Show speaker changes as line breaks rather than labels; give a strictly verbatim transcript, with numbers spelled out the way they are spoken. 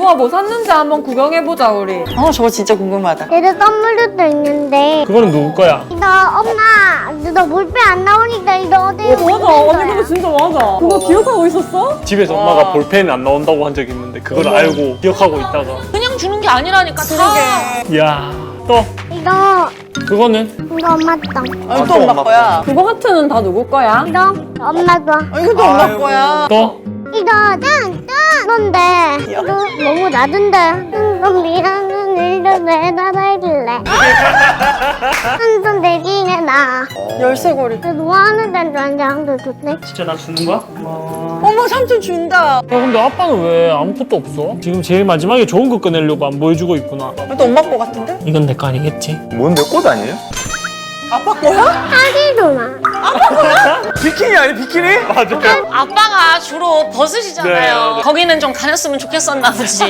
누가 뭐 샀는지 한번 구경해보자 우리.
어 저거 진짜 궁금하다.
얘들 선물도 있는데.
그거는 누구 거야?
이거 엄마, 너 볼펜 안 나오니까 이거 어디?
어 맞아. 언니 그거 진짜 맞아. 그거 기억하고 있었어?
집에서
와.
엄마가 볼펜 안 나온다고 한 적이 있는데 그걸 알고 기억하고 있다가.
그냥 주는 게 아니라니까. 다.
이야. 또
이거
그거는
이거 엄마 거.
아, 또 엄마 거야.
그거 하트는 다 누구 거야?
이거 엄마 거.
아, 이것도 엄마 거야.
또
이거 짠짠 건데 이거 너무 낮은데. 이거 미안한 일도 내다 말길래. 한손 대기네 나.
열쇠고리.
뭐 하는 데는 완전 좋네.
진짜 나 주는 거야?
어머 삼촌 준다.
야 근데 아빠는 왜 아무것도 없어? 지금 제일 마지막에 좋은 거 꺼내려고 안 보여주고 있구나.
이것도 엄마 거 같은데?
이건 내 거 아니겠지?
뭔데 꽃 아니에요?
아빠 거야?
하기도나.
비키니 아니 비키니?
맞아요.
아빠가 주로 벗으시잖아요.
네, 네.
거기는 좀 가렸으면 좋겠었나 보지.